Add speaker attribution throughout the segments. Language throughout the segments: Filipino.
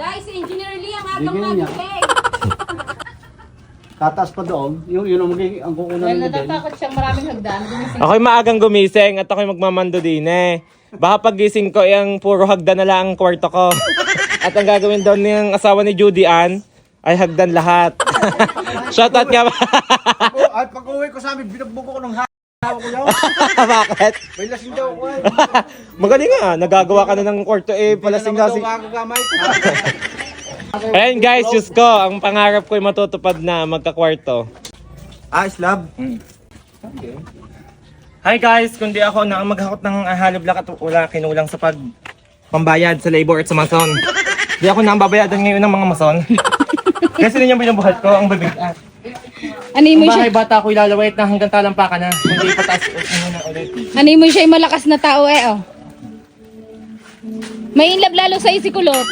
Speaker 1: Guys, Engineer Lee ang agang
Speaker 2: Bigyan niya.
Speaker 1: magiting.
Speaker 2: Tataas pa doon. Yun ang magiging ang kukunan
Speaker 1: Dahil
Speaker 2: mo din.
Speaker 1: natatakot siyang maraming hagdan. Gumising.
Speaker 3: Ako'y maagang gumising at ako'y magmamando din eh. Baka paggising ko, yung puro hagdan na lang ang kwarto ko. At ang gagawin daw ng asawa ni Judy Ann ay hagdan lahat. Shoutout nga ba?
Speaker 2: At pag-uwi ko sa amin, binagbuko ko ng hawak ko yun.
Speaker 3: Bakit?
Speaker 2: May lasing daw ako eh.
Speaker 3: Magaling nga, nagagawa ka na ng kwarto eh, palasing-lasing.
Speaker 2: Ako gamay.
Speaker 3: Ayan guys, Diyos ko, ang pangarap ko'y matutupad na magkakwarto.
Speaker 2: Slab.
Speaker 3: Hi guys, kundi ako na maghakot ng hollow block at wala kinulang sa pambayad sa labor at sa mason. Hindi ako na ang babayadan ngayon ng mga mason. Kasi din yung binubuhat ko, ang babigat.
Speaker 1: Ani mo
Speaker 3: Ang
Speaker 1: siya,
Speaker 3: bahay bata ko ilalawait na hanggang talampakan na. Hindi pataas na ulit.
Speaker 1: ani mo siya malakas na tao eh oh. May inlove lalo sa si Kulot.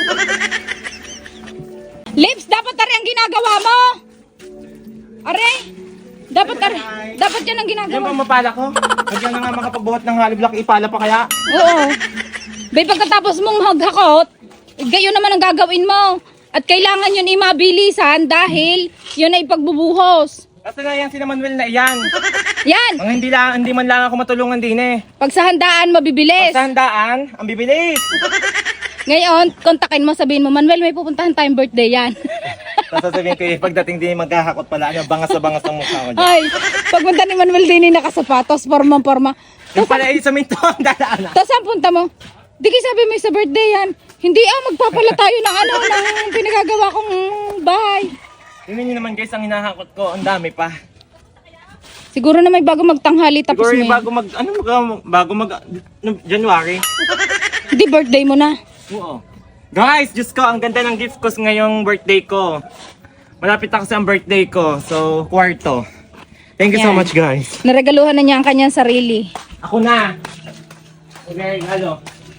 Speaker 1: Lips, dapat tari ang ginagawa mo. Are, dapat yan ang
Speaker 3: Yan
Speaker 1: ginagawa.
Speaker 3: bang mapala ko? Huwag na nga makapagbuhat ng hollow block, ipala pa kaya?
Speaker 1: Oo. Bay, pagkatapos mong maghakot, gayon naman ang gagawin mo. At kailangan yun imabilisan dahil yun ay pagbubuhos.
Speaker 3: Kasi na yan si Manuel na iyan.
Speaker 1: Yan!
Speaker 3: Ang hindi man lang ako matulungan din eh.
Speaker 1: Pag sa handaan, mabibilis.
Speaker 3: Sa handaan, ang bibilis.
Speaker 1: Ngayon, kontakin mo, sabihin mo, Manuel, may pupuntahan tayong birthday yan.
Speaker 3: Tapos sasabihin ko pagdating din maghahakot pala, ano, bangas na bangas ang mukha ko dyan.
Speaker 1: Ay, pagpunta ni Manuel din nakasapatos, porma.
Speaker 3: Yung pala sa minto, ang dadaan.
Speaker 1: Tapos saan punta mo? Di kayo sabi mo sa birthday yan. Hindi magpapala tayo ng ng pinagagawa kong bahay.
Speaker 3: Tingnan niyo naman guys, ang hinahakot ko, ang dami pa.
Speaker 1: Siguro na may bago magtanghali tapos
Speaker 3: Siguro
Speaker 1: mo
Speaker 3: yung
Speaker 1: yan.
Speaker 3: bago mag, January.
Speaker 1: Hindi birthday mo na.
Speaker 3: Oo. Guys, Diyos ko, ang ganda ng gift ko ngayong birthday ko. Malapit ako sa birthday ko, so kwarto. Thank you so
Speaker 1: Yan.
Speaker 3: much guys.
Speaker 1: Naregaluhan na niya ang kanyang sarili.
Speaker 3: Ako na. Okay, halo.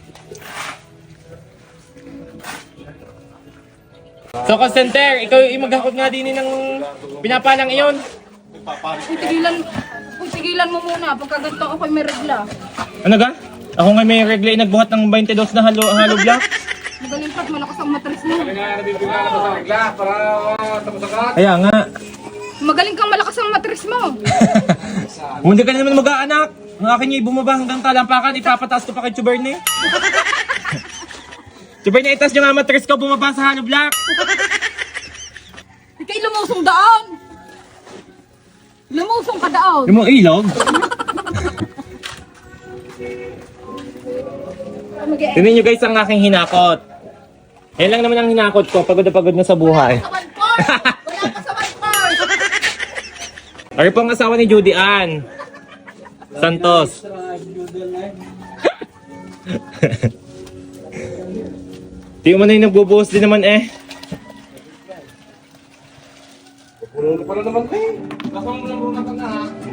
Speaker 3: So, call center, ikaw yung maghakot nga din ng pinapalang iyon.
Speaker 1: Tigilan mo muna. Pagka ganito ako may regla.
Speaker 3: Ano ga? Ako nga may regla nagbuhat ng 22 na halo block.
Speaker 1: Magaling pat, malakas ang matris mo.
Speaker 3: Kaya nga.
Speaker 1: Magaling kang malakas ang matris mo.
Speaker 3: Hindi ka na naman mag-aanak. Ang akin niya bumaba hanggang talampakan, ipapataas ko pa kay Chuberne. Chuberne, itas yung matris ko, bumaba sa hollow block.
Speaker 1: Ikay lumusong daan. Lumusong ka daan.
Speaker 3: Yung mga ilog. Tingnan nyo guys ang aking hinakot. Yan lang naman ang hinakot ko, pagod na sa buhay.
Speaker 1: Wala pa sa one
Speaker 3: Ari po ang asawa ni Judy Ann Santos. Di mo na yung nagbubuhos din naman eh. Puno pa na naman eh. Baka mo na muna ka na ha.